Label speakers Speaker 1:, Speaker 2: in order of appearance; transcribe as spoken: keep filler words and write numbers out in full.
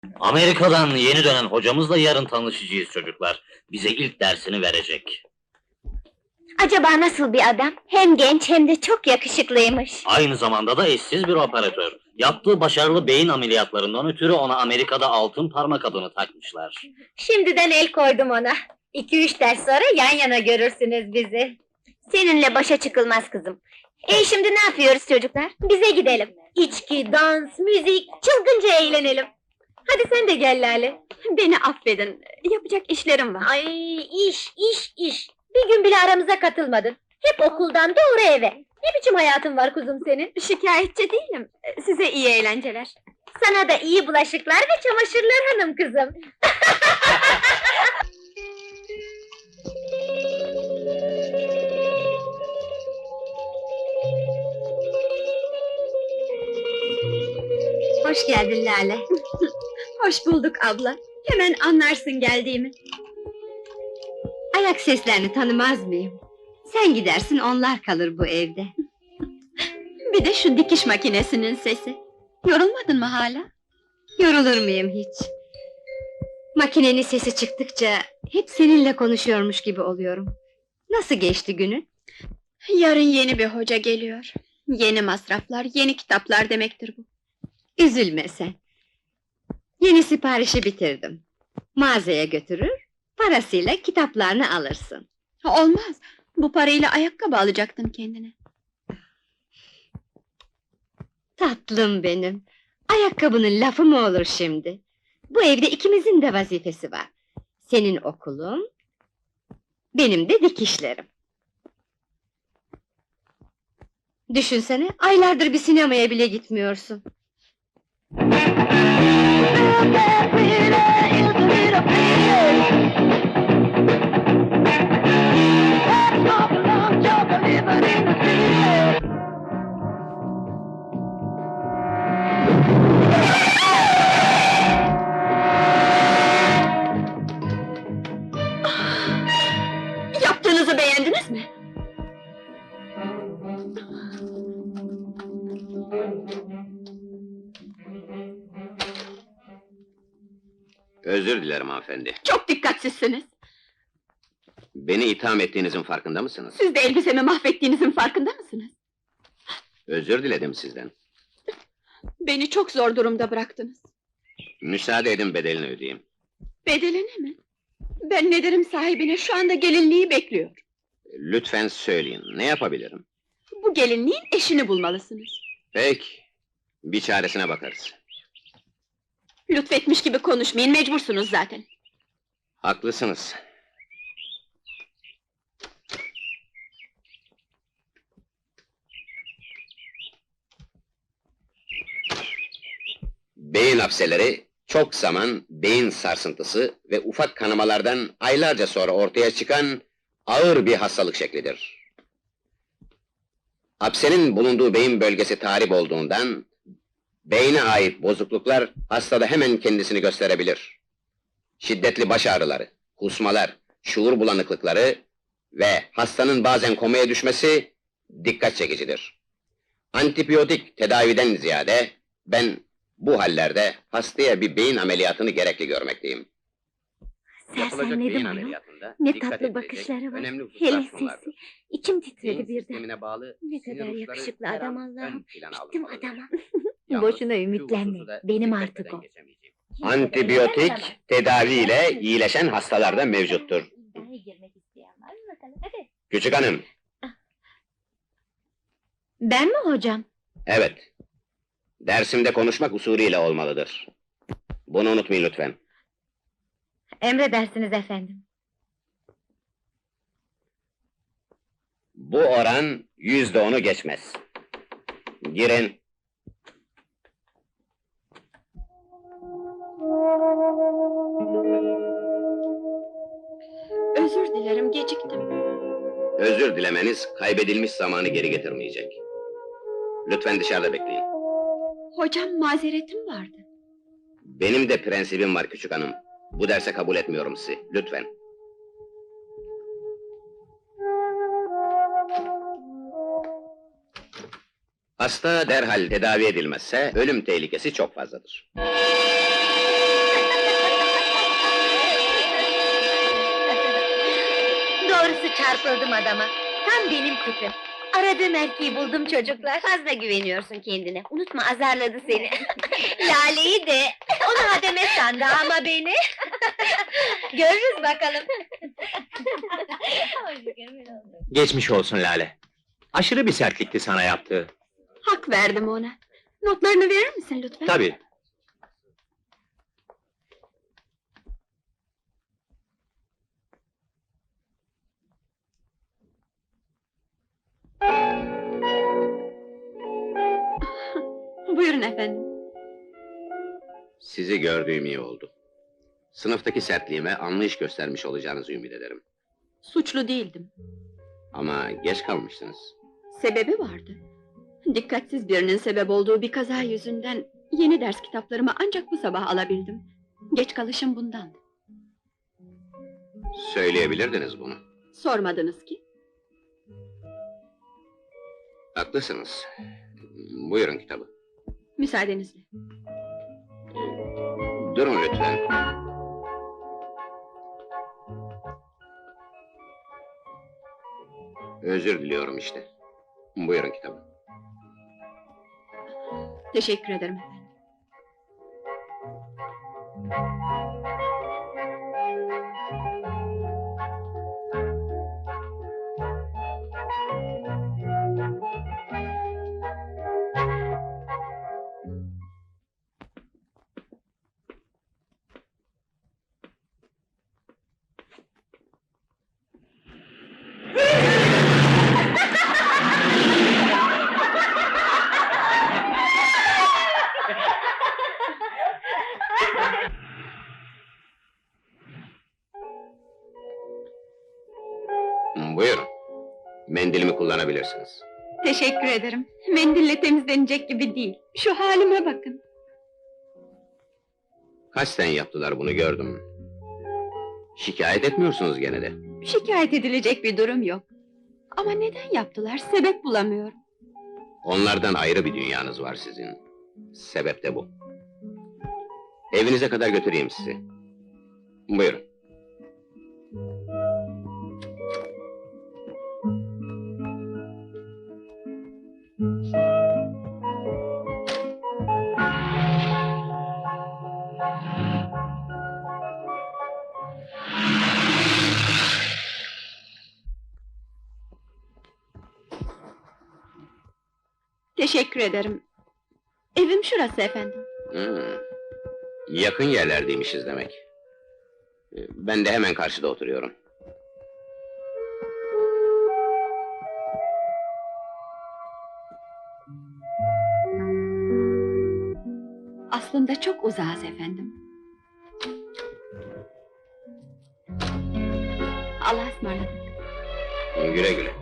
Speaker 1: Amerika'dan yeni dönen hocamızla yarın tanışacağız çocuklar. Bize ilk dersini verecek.
Speaker 2: Acaba nasıl bir adam? Hem genç hem de çok yakışıklıymış.
Speaker 1: Aynı zamanda da eşsiz bir operatör. Yaptığı başarılı beyin ameliyatlarından ötürü ona Amerika'da altın parmak adını takmışlar.
Speaker 2: Şimdiden el koydum ona. İki üç ders sonra yan yana görürsünüz bizi. Seninle başa çıkılmaz kızım. E şimdi ne yapıyoruz çocuklar? Bize gidelim. İçki, dans, müzik, çılgınca eğlenelim. Hadi sen de gel Lale. Beni affedin, yapacak işlerim var. Ay iş, iş, iş. Bir gün bile aramıza katılmadın. Hep okuldan doğru eve. Ne biçim hayatın var kuzum senin? Şikayetçi değilim. Size iyi eğlenceler. Sana da iyi bulaşıklar ve çamaşırlar hanım kızım. Hoş geldin Lale. Hoş bulduk abla. Hemen anlarsın geldiğimi.
Speaker 3: Ayak seslerini tanımaz mıyım? Sen gidersin, onlar kalır bu evde.
Speaker 2: Bir de şu dikiş makinesinin sesi. Yorulmadın mı hala?
Speaker 3: Yorulur muyum hiç? Makinenin sesi çıktıkça hep seninle konuşuyormuş gibi oluyorum. Nasıl geçti günün?
Speaker 2: Yarın yeni bir hoca geliyor. Yeni masraflar, yeni kitaplar demektir bu.
Speaker 3: Üzülme sen. Yeni siparişi bitirdim. Mağazaya götürür, parasıyla kitaplarını alırsın.
Speaker 2: Olmaz. Bu parayla ayakkabı alacaktın kendine.
Speaker 3: Tatlım benim. Ayakkabının lafı mı olur şimdi? Bu evde ikimizin de vazifesi var. Senin okulun, benim de dikişlerim. Düşünsene, aylardır bir sinemaya bile gitmiyorsun.
Speaker 2: Yaptığınızı beğendiniz mi?
Speaker 4: Özür dilerim hanımefendi.
Speaker 2: Çok dikkatsizsiniz.
Speaker 4: Beni itham ettiğinizin farkında mısınız?
Speaker 2: Siz de elbisemi mahvettiğinizin farkında mısınız?
Speaker 4: Özür diledim sizden.
Speaker 2: Beni çok zor durumda bıraktınız.
Speaker 4: Müsaade edin, bedelini ödeyeyim.
Speaker 2: Bedelini mi? Ben ne derim sahibine, şu anda gelinliği bekliyor.
Speaker 4: Lütfen söyleyin, ne yapabilirim?
Speaker 2: Bu gelinliğin eşini bulmalısınız.
Speaker 4: Peki, bir çaresine bakarız.
Speaker 2: Lütfetmiş gibi konuşmayın, mecbursunuz zaten.
Speaker 4: Haklısınız. Beyin hapseleri, çok zaman beyin sarsıntısı ve ufak kanamalardan aylarca sonra ortaya çıkan ağır bir hastalık şeklidir. Hapsenin bulunduğu beyin bölgesi tahrip olduğundan, beyne ait bozukluklar hastada hemen kendisini gösterebilir. Şiddetli baş ağrıları, kusmalar, şuur bulanıklıkları ve hastanın bazen komaya düşmesi dikkat çekicidir. Antibiyotik tedaviden ziyade ben bu hallerde hastaya bir beyin ameliyatını gerekli görmekteyim. Yapılacak beyin
Speaker 2: Sersemledim onu.
Speaker 4: ameliyatında
Speaker 2: Ne
Speaker 4: dikkat
Speaker 2: tatlı
Speaker 4: edilecek
Speaker 2: bakışları var.
Speaker 4: önemli hususlar
Speaker 2: Hele
Speaker 4: şunlardır.
Speaker 2: sesi. İçim titredi
Speaker 4: Beyin
Speaker 2: birden.
Speaker 4: sistemine bağlı
Speaker 2: Ne
Speaker 4: sinir
Speaker 2: kadar
Speaker 4: uçları
Speaker 2: yakışıklı
Speaker 4: her
Speaker 2: adam
Speaker 4: an
Speaker 2: Allah'ım.
Speaker 4: ön plana
Speaker 2: Bittim
Speaker 4: alınmalıdır.
Speaker 2: adama.
Speaker 4: Yalnız
Speaker 2: Boşuna
Speaker 4: şu
Speaker 2: ümitlenme.
Speaker 4: hususu da
Speaker 2: Benim
Speaker 4: dikkat
Speaker 2: artık
Speaker 4: etmeden
Speaker 2: o.
Speaker 4: geçemeyeceğim. Antibiyotik tedaviyle iyileşen hastalarda mevcuttur. Küçük hanım,
Speaker 2: Ben mi hocam?
Speaker 4: evet. Dersimde konuşmak usulüyle olmalıdır. Bunu unutmayın lütfen.
Speaker 2: Emredersiniz efendim.
Speaker 4: Bu oran yüzde onu geçmez. Girin.
Speaker 2: Özür dilerim, geciktim.
Speaker 4: Özür dilemeniz kaybedilmiş zamanı geri getirmeyecek. Lütfen dışarıda bekleyin.
Speaker 2: Hocam, mazeretim vardı.
Speaker 4: Benim de prensibim var küçük hanım. Bu derse kabul etmiyorum sizi. Lütfen. Hasta derhal tedavi edilmezse ölüm tehlikesi çok fazladır.
Speaker 2: çarpıldım adama. Tam benim tipim. Aradığım erkeği buldum çocuklar.
Speaker 3: Fazla güveniyorsun kendine. Unutma azarladı seni.
Speaker 2: Lale'yi de. Onu hademe sandı ama beni. Görürüz bakalım.
Speaker 5: Geçmiş olsun Lale. Aşırı bir sertlikti sana yaptığı.
Speaker 3: Hak verdim ona. Notlarını verir misin lütfen?
Speaker 5: Tabii.
Speaker 3: Buyurun efendim.
Speaker 4: Sizi gördüğüm iyi oldu. Sınıftaki sertliğime anlayış göstermiş olacağınızı ümit ederim.
Speaker 3: Suçlu değildim.
Speaker 4: Ama geç kalmışsınız.
Speaker 3: Sebebi vardı. Dikkatsiz birinin sebep olduğu bir kaza yüzünden yeni ders kitaplarımı ancak bu sabah alabildim. Geç kalışım bundandı.
Speaker 4: Söyleyebilirdiniz bunu.
Speaker 3: Sormadınız ki.
Speaker 4: Haklısınız. Buyurun kitabı.
Speaker 3: Müsaadenizle.
Speaker 4: Durun lütfen. Özür diliyorum işte. Buyurun kitabı.
Speaker 3: Teşekkür ederim efendim.
Speaker 4: Buyurun. Mendilimi kullanabilirsiniz.
Speaker 3: Teşekkür ederim. Mendille temizlenecek gibi değil. Şu halime bakın.
Speaker 4: Kasten yaptılar bunu gördüm. Şikayet etmiyorsunuz gene de.
Speaker 3: Şikayet edilecek bir durum yok. Ama neden yaptılar? Sebep bulamıyorum.
Speaker 4: Onlardan ayrı bir dünyanız var sizin. Sebep de bu. Evinize kadar götüreyim sizi. Buyurun.
Speaker 3: Teşekkür ederim. Evim şurası efendim.
Speaker 4: Hmm. Yakın yerlerdeymişiz demek. Ben de hemen karşıda oturuyorum.
Speaker 3: Aslında çok uzağız efendim. Allah'a ısmarladık.
Speaker 4: Güle güle.